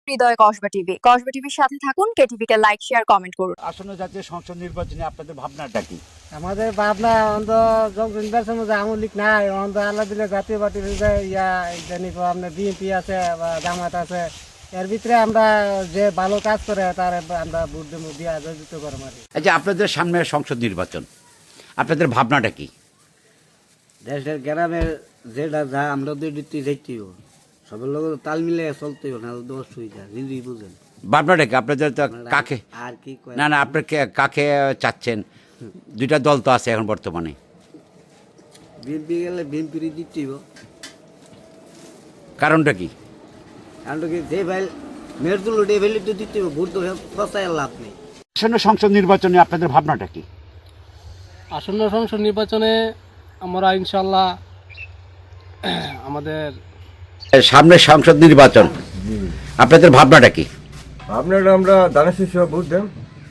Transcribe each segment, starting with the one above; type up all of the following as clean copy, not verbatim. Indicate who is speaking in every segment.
Speaker 1: হৃদয় Kasba TV. Kasba টিভির সাথে থাকুন, কেটিভি কে লাইক, শেয়ার, কমেন্ট করুন।
Speaker 2: আসন্ন জাতীয় সংসদ নির্বাচনে আপনাদের ভাবনাটা কি?
Speaker 3: আমাদের ভাবনা অন্ত নির্বাচন আওয়ামী লীগ নাই, অন্ত আল্লাহ দিলে জাতীয় পার্টির জানি আপনার বিএনপি আছে বা জামাত আছে, এর ভিতরে আমরা যে ভালো কাজ করে তার আমরা ভোট দিয়ে আয়োজিত করবো আর কি।
Speaker 2: আচ্ছা, আপনাদের সামনে সংসদ নির্বাচন, আপনাদের ভাবনাটা কি?
Speaker 4: দেশের গ্রামের যেটা যা আমরা তো এটি দেখতেই হবে, সবার লোক তাল মিলে চলতেই হবে, না তো অসুবিধা নিজেই বুঝেন।
Speaker 2: ভাবনাটা কি আপনাদের? তো কাকে
Speaker 4: আর কি কয়,
Speaker 2: না আপনি কাকে চাচ্ছেন? দুইটা দল তো আছে এখন বর্তমানে।
Speaker 4: বিএনপি গেলে বিএনপির দিতেই হবে।
Speaker 2: কারণটা কি?
Speaker 4: কারণ কি যে ভাই মেয়ের তুলো উঠে ফেলে তো দিতেই হবে, ভোট তো ফসায় লাভ নেই।
Speaker 2: আসন্ন সংসদ নির্বাচনে আপনাদের ভাবনাটা কি?
Speaker 5: আসন্ন সংসদ নির্বাচনে আমরা ইনশাল্লাহ আমাদের
Speaker 2: সামনে সংসদ নির্বাচন, আপনাদের ভাবনাটা কি?
Speaker 6: আপনারা আমরা দানা শিশু ভোট দেন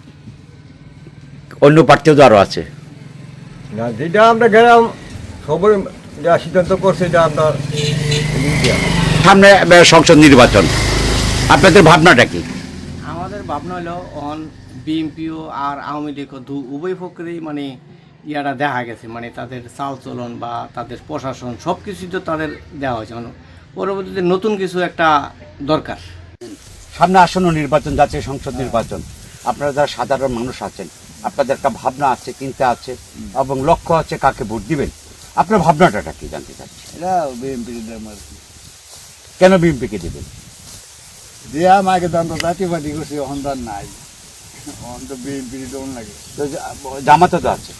Speaker 2: অন্য প্রার্থীও তো আরও আছে।
Speaker 6: না, যেটা আমরা গেলাম সবাই যা সিদ্ধান্ত করছে এটা আপনার
Speaker 2: সামনে সংসদ নির্বাচন, আপনাদের ভাবনাটা কি?
Speaker 7: আমাদের ভাবনা হলো অন বিএনপিও আর আওয়ামী লীগ উভয় পক্ষেরই মানে ইয়ারা দেখা গেছে, মানে তাদের চালচলন বা তাদের প্রশাসন সব কিছুই তো তাদের দেওয়া হয়েছে। মানে পরবর্তীতে নতুন কিছু একটা দরকার।
Speaker 2: সামনে আসন্ন নির্বাচন, জাতীয় সংসদ নির্বাচন, আপনারা যারা সাধারণ মানুষ আছেন, আপনাদের একটা ভাবনা আছে, চিন্তা আছে এবং লক্ষ্য আছে কাকে ভোট দিবেন। আপনার ভাবনাটা কি জানতে চাচ্ছি?
Speaker 4: এটা বিএনপির দাম আর কি।
Speaker 2: কেন বিএনপিকে দিবেন?
Speaker 4: যে আমাকে দাম তো জাতীয় পার্টি করছে, অন্তর নাই, অন্ত বিএনপির দম লাগে।
Speaker 2: তো জামাতে তো আছে।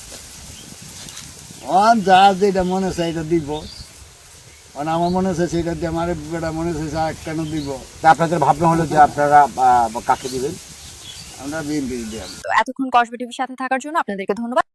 Speaker 4: অন যা যেটা মনে হচ্ছে এটা দিব, আমার মনে হচ্ছে সেটা দিয়ে আমার বেটা মনে হচ্ছে কেন দিব।
Speaker 2: তা আপনাদের ভাবনা হলো যে আপনারা কাকে দিবেন?
Speaker 4: আমরা বিএনপির দিলাম।
Speaker 1: তো এতক্ষণ কসবা টিভির সাথে থাকার জন্য আপনাদেরকে ধন্যবাদ।